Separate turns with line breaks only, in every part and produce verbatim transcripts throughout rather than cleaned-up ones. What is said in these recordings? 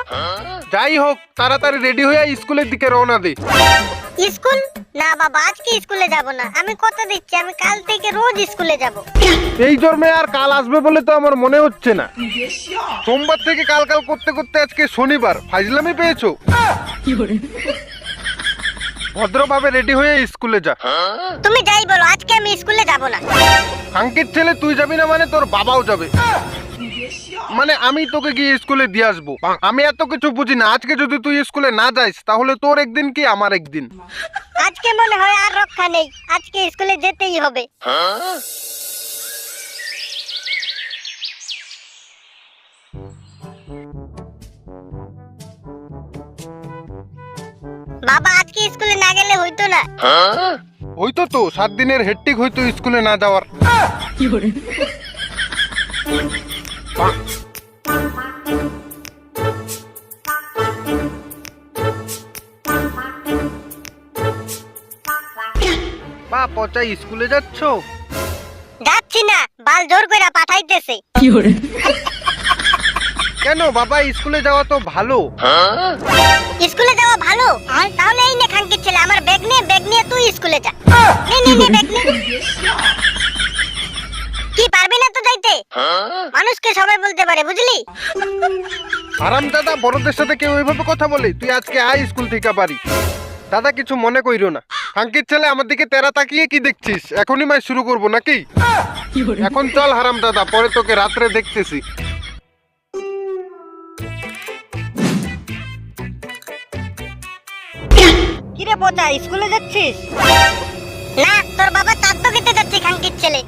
যাই হোক, তাড়াতাড়ি রেডি হয়ে স্কুলের দিকে রওনা দে।
স্কুল না বাবা, আজকে স্কুলে যাব না। আমি কথা দিচ্ছি, আমি কাল থেকে রোজ স্কুলে যাব।
এই জন্মে আর কাল আসবে বলে তো আমার মনে হচ্ছে না। সোমবার থেকে কাল কাল করতে করতে আজকে শনিবার, ফাইজলামি পেয়েছো? ভদ্রভাবে রেডি হয়ে স্কুলে যা।
তুমি যাই বলো, আজকে আমি স্কুলে যাব না।
খাঙ্কির ছেলে, তুই যাবি না মানে তোর বাবাও যাবে। মানে আমি তোকে গিয়ে স্কুলে দিয়ে আসবো। আমি এত কিছু বুঝি না। আজকে যদি তুই স্কুলে না যাইস তাহলে তোর একদিন কি আমার একদিন।
আজকে মনে হয় আর রক্ষা নেই, আজকে স্কুলে যেতেই হবে। বাবা, আজকে স্কুলে না গেলে হইতো না?
হইতো তো, সাত দিনের হেডটিক হইতো স্কুলে না যাওয়ার। বা পচা, স্কুলে যাচ্ছ?
যাচ্ছি না, বাল জোর কইরা পাঠাইতেছে।
কেন বাবা, স্কুলে যাওয়া তো ভালো।
স্কুলে যাওয়া ভালো? তাহলে এই নে খাঙ্কির ছেলে, আমার ব্যাগ নে, ব্যাগ নিয়ে তুই স্কুলে যা। নে নে নে, ব্যাগ নে। কি পারবি না তো যাইতে? মানুষকে সবাই বলতে পারে, বুঝলি?
আরাম দাদা, বড়দের সাথে কেউ ওইভাবে কথা বলে? তুই আজকে আয় স্কুল থেকে বাড়ি। দাদা কিছু মনে কইরো না। খাঙ্কির ছেলে, আমার দিকে তেরা তাকিয়ে কি দেখছিস? এখনই মাই শুরু করবো নাকি? এখন চল হারাম দাদা, পরে তোকে রাত্রে দেখতেছি।
কিরে পচা, স্কুলে যাচ্ছিস? না, তোর বাবা চাঁদ খেতে যাচ্ছে খাঙ্কির ছেলে।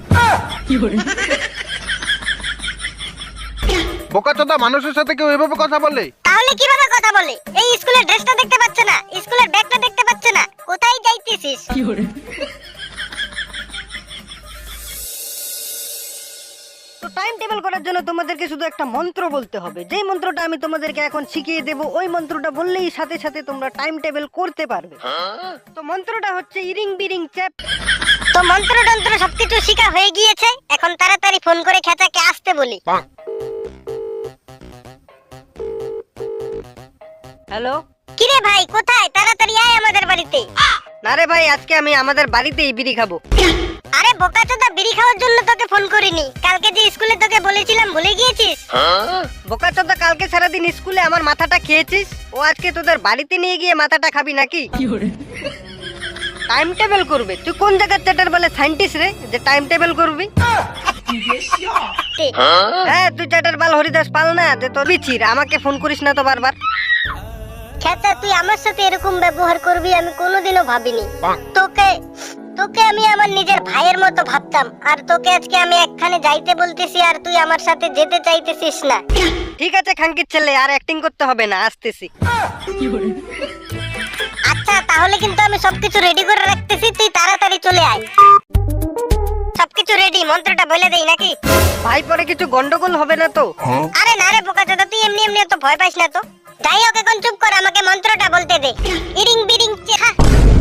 বোকাচোদা, মানুষের সাথে কেউ এভাবে কথা বলে?
তাহলে কিভাবে কথা বলে? এই স্কুলের ড্রেসটা দেখতে পাচ্ছে না? স্কুলের ব্যাগটা দেখতে পাচ্ছে না? কোথায় যাইতেছিস?
তো টাইম টেবিল করার জন্য তোমাদেরকে শুধু একটা মন্ত্র বলতে হবে। যেই মন্ত্রটা আমি তোমাদেরকে এখন শিখিয়ে দেব, ওই মন্ত্রটা বললেই সাথে সাথে তোমরা টাইম টেবিল করতে পারবে। তো মন্ত্রটা হচ্ছে ইরিং বিরিং চ্যাপ।
তো মন্ত্র টন্ত্র সবকিছু শিখা হয়ে গিয়েছে, এখন তাড়াতাড়ি ফোন করে খেচাকে আসতে বলি।
হ্যালো,
কিরে ভাই, কোথায়? তাড়াতাড়ি আয় আমাদের বাড়িতে।
না রে ভাই, আজকে আমি আমাদের বাড়িতেই বিড়ি খাবো।
আরে বোকাচোদা, বিড়ি খাওয়ার জন্য তোকে ফোন করিনি। কালকে যে স্কুলে তোকে বলেছিলাম, ভুলে গিয়েছিস?
বোকাচোদা, কালকে সারাদিন স্কুলে আমার মাথাটা খেয়েছিস, ও আজকে তোদের বাড়িতে নিয়ে গিয়ে মাথাটা খাবি নাকি? টাইম টেবিল করবে? তুই কোন জায়গার চ্যাটার বলে সায়েন্টিস্ট রে যে টাইম টেবিল করবি? হ্যাঁ, তুই চ্যাটার বাল হরিদাস পাল না যে তোর বিচির। আমাকে ফোন করিস না তো বারবার।
খেচা, তুই আমার সাথে এরকম ব্যবহার করবি আমি কোনোদিনও ভাবিনি। তোকে তোকে আমি আমার নিজের ভাইয়ের মতো ভাবতাম, আর তোকে আজকে আমি একখানে যাইতে বলতেছি আর তুই আমার সাথে যেতে চাইতেছিস না।
ঠিক আছে খাঙ্কির ছেলে, আর অ্যাক্টিং করতে হবে না, আসতেছি।
আচ্ছা, তাহলে কিন্তু আমি সবকিছু রেডি করে রাখতেছি, তুই তাড়াতাড়ি চলে আয়। সবকিছু রেডি, মন্ত্রটা বলে দেই নাকি?
ভাই, পরে কিছু গন্ডগোল হবে না তো?
আরে না রে বোকাচোদা, তুই এমনি এমনি তো ভয় পাইস না তো। যাই হোক, এখন চুপ কর, আমাকে মন্ত্রটা বলতে দে। ইরিং বিরিং চেহা।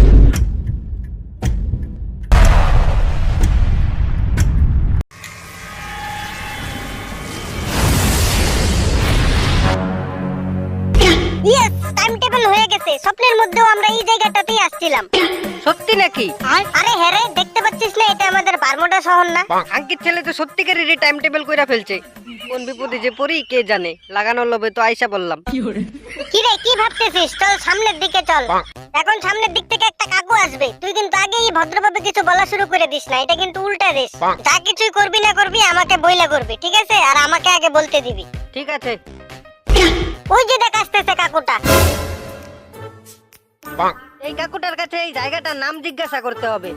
ইয়েস, টাইম টেবিল হয়ে গেছে। স্বপ্নের মধ্যেও আমরা এই জায়গাটাতেই আসছিলাম।
সত্যি নাকি?
আরে হ্যাঁ রে, দেখতে পাচ্ছিস না এটা আমাদের বারমুডা শহর না?
খাঙ্কির ছেলে তো সত্যিকারেরই টাইম টেবিল কইরা ফেলছে। কোন বিপদে যে পড়ি কে জানে। লাগানোর লোভে তো আইসা বললাম।
কি রে, কি ভাবতেছিস? চল সামনের দিকে চল। এখন সামনের দিক থেকে একটা কাকু আসবে, তুই কিন্তু আগেই ভদ্রভাবে কিছু বলা শুরু করে দিস না। এটা কিন্তু উল্টা দিস। যা কিছুই করবি না করবি আমাকে বইলা করবি, ঠিক আছে? আর আমাকে আগে বলতে দিবি।
ঠিক আছে।
ওই যে দেখ আসতেছে কাকুটা।
এই কাকুটার কাছে এই জায়গাটার নাম জিজ্ঞাসা করতে হবে।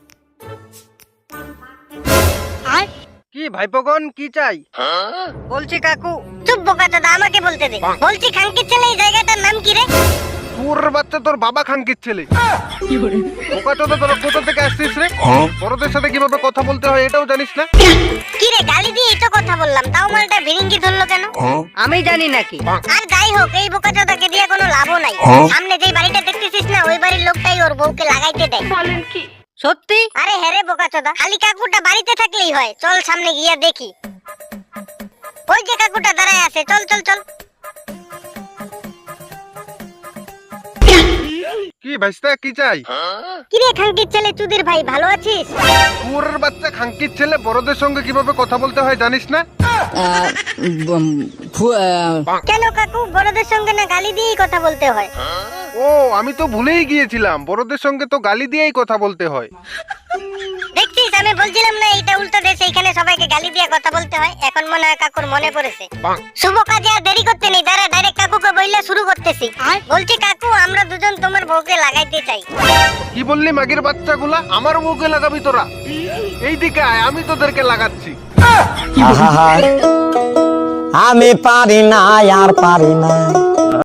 কি ভাইপোগণ, কি চাই?
বলছি কাকু।
চুপ বোকাচোদা, আমাকে বলতে দে। বলছি খাঙ্কির ছেলে, এই জায়গাটার নাম কি রে?
তোর বাচ্চা, তোর বাবা খাঙ্কির ছেলে। বোকাচোদা, তোরা কোথা থেকে আসছিস রে? বড়দের সাথে কিভাবে কথা বলতে হয় এটাও জানিস না?
কি রে, গালি দিয়ে এই তো কথা বললাম, তাও মালটা ভিরিঙ্গি ধরলো কেন?
আমি জানি নাকি।
আর যাই হোক, এই বোকাচোদাকে দিয়ে কোনো লাভও নাই। সামনে যেই বাড়িটা দেখতেছিস না, ওই বাড়ির লোকটাই ওর বউকে লাগাইতে দেয়। বলেন কি?
সত্যি?
আরে হ্যাঁ রে বোকাচোদা, খালি কাকুটা বাড়িতে থাকলেই হয়। চল সামনে গিয়া দেখি। ওই যে কাকুটা দাঁড়ায় আছে, চল চল চল।
কি ভাইস্তা কি চাই?
কিরে খাঙ্কির ছেলে চুদির ভাই ভালো আছিস?
কুয়োরের বাচ্চা খাঙ্কির ছেলে বড়দের সঙ্গে কিভাবে কথা বলতে হয় জানিস না?
আহ, উম, ফু- আহ,
কেন কাকু বড়দের সঙ্গে না গালি দিয়েই কথা বলতে হয়?
ও আমি তো ভুলেই গিয়েছিলাম, বড়দের সঙ্গে তো গালি দিয়েই কথা বলতে হয়।
দেখছিস আমি বলছিলাম না এইটা উল্টো দেশ, এইখানে সবাইকে গালি দিয়ে কথা বলতে হয়। এখন মনে হয় কাকুর মনে পড়েছে। শুভ কাজে আর দেরি করতে নেই, দাঁড়া ডাইরেক্ট কাকুকে বইলা শুরু করতেছি। বলছি কাকু আমরা দুজন তোমার বউকে লাগাইতে চাই।
কি বললি মাগির বাচ্চাগুলা? আমার মুখে লাগাবি তোরা? এইদিকে আয়, আমি তোদেরকে লাগাচ্ছি।
আহা, আমি পারি না আর পারি না